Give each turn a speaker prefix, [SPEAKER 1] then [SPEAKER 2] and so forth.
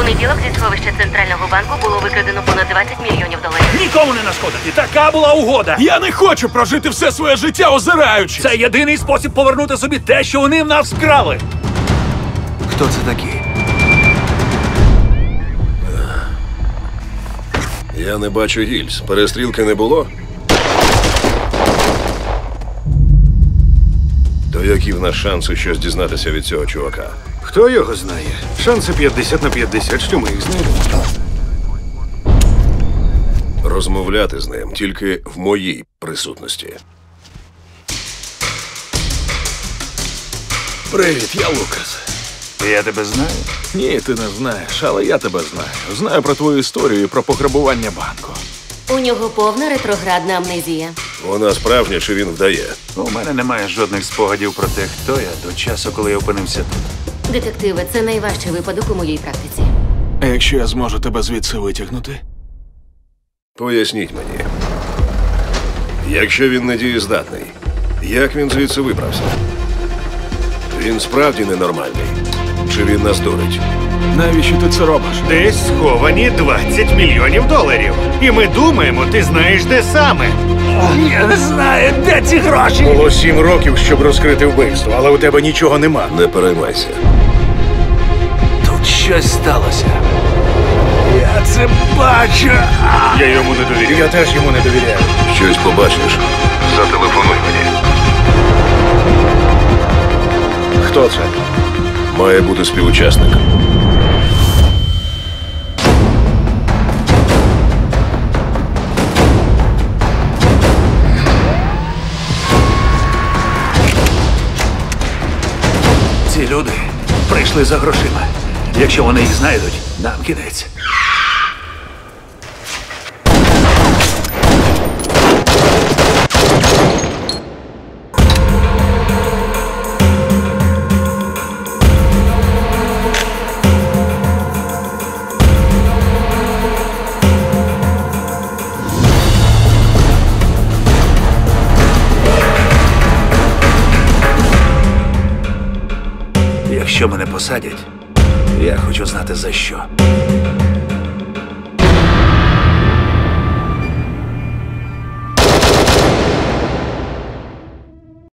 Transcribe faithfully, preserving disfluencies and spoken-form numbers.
[SPEAKER 1] понеділок зі сховища Центрального банку було викрадено понад двадцять мільйонів доларів.
[SPEAKER 2] Нікому не нашкодити. Така була угода.
[SPEAKER 3] Я не хочу прожити все своє життя озираючись.
[SPEAKER 2] Це єдиний спосіб повернути собі те, що вони в нас вкрали.
[SPEAKER 4] Хто це такі?
[SPEAKER 5] Я не бачу гільз. Перестрілки не було? То які в нас шанси щось дізнатися від цього чувака?
[SPEAKER 6] Хто його знає? Шанси п'ятдесят на п'ятдесят, що ми їх знайдемо.
[SPEAKER 5] Розмовляти з ним тільки в моїй присутності.
[SPEAKER 3] Привіт, я Лукас.
[SPEAKER 6] Я тебе знаю?
[SPEAKER 3] Ні, ти не знаєш, але я тебе знаю. Знаю про твою історію і про пограбування банку.
[SPEAKER 1] У нього повна ретроградна амнезія.
[SPEAKER 5] Вона справжня чи він вдає?
[SPEAKER 6] У мене немає жодних спогадів про те, хто я до часу, коли я опинився тут.
[SPEAKER 1] Детективи, це найважчий випадок у моїй практиці.
[SPEAKER 3] А якщо я зможу тебе звідси витягнути?
[SPEAKER 5] Поясніть мені. Якщо він не дієздатний, як він звідси вибрався? Він справді ненормальний? Чи він нас дурить?
[SPEAKER 3] Навіщо ти це робиш?
[SPEAKER 6] Десь сховані двадцять мільйонів доларів. І ми думаємо, ти знаєш, де саме.
[SPEAKER 2] Я не знаю, де ці гроші.
[SPEAKER 6] Було сім років, щоб розкрити вбивство, але у тебе нічого нема.
[SPEAKER 5] Не переймайся.
[SPEAKER 2] Тут щось сталося. Я це бачу.
[SPEAKER 6] Я йому не довіряю. Я теж йому не довіряю.
[SPEAKER 5] Щось побачиш? Зателефонуй мені.
[SPEAKER 6] Хто це?
[SPEAKER 5] Має бути співучасник.
[SPEAKER 2] Ці люди прийшли за грошима. Якщо вони їх знайдуть, нам кінець. Якщо мене посадять, я хочу знати за що.